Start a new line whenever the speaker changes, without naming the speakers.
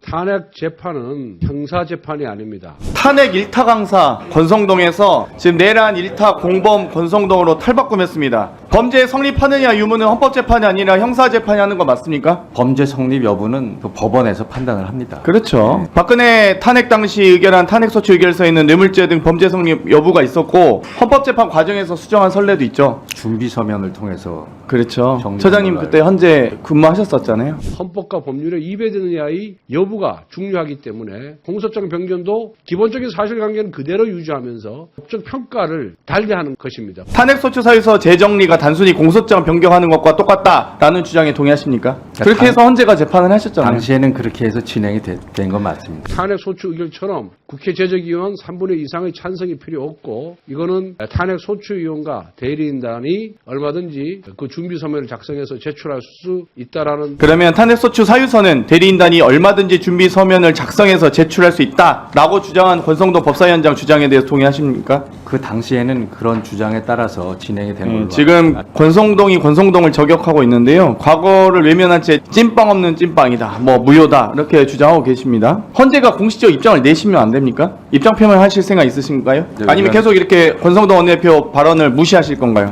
탄핵 재판은 형사 재판이 아닙니다.
탄핵 일타 강사 권성동에서 지금 내란 일타 공범 권성동으로 탈바꿈했습니다. 범죄 성립하느냐 유무는 헌법재판이 아니라 형사재판이 하는 거 맞습니까?
범죄 성립 여부는 그 법원에서 판단을 합니다.
그렇죠. 박근혜 탄핵 당시 의결한 탄핵소추 의결서에는 뇌물죄 등 범죄 성립 여부가 있었고 헌법재판 과정에서 수정한 선례도 있죠.
준비 서면을 통해서
그렇죠.
정리된
처장님
걸로
그때 현재 근무하셨었잖아요.
헌법과 법률에 위배되느냐의 여부가 중요하기 때문에 공소장 변경도 기본적인 사실관계는 그대로 유지하면서 법적 평가를 달리하는 것입니다.
탄핵소추 사유서 재정리가 단순히 공소장 변경하는 것과 똑같다라는 주장에 동의하십니까? 그렇게 해서 헌재가 재판을 하셨잖아요.
당시에는 그렇게 해서 진행이 된 건 맞습니다.
탄핵 소추 의결처럼 국회 제적위원 3분의 2 이상의 찬성이 필요 없고 이거는 탄핵 소추위원과 대리인단이 얼마든지 그 준비 서면을 작성해서 제출할 수 있다라는.
그러면 탄핵소추 사유서는 대리인단이 얼마든지 준비 서면을 작성해서 제출할 수 있다라고 주장한 권성동 법사위원장 주장에 대해서 동의하십니까?
그 당시에는 그런 주장에 따라서 진행이 된 걸로
지금 권성동이 권성동을 저격하고 있는데요. 과거를 외면한 채 찐빵 없는 찐빵이다, 뭐 무효다 이렇게 주장하고 계십니다. 헌재가 공식적 입장을 내시면 안 됩니까? 입장 표명하실 생각 있으신가요?
네,
아니면 계속 이렇게 권성동 원내대표 발언을 무시하실 건가요?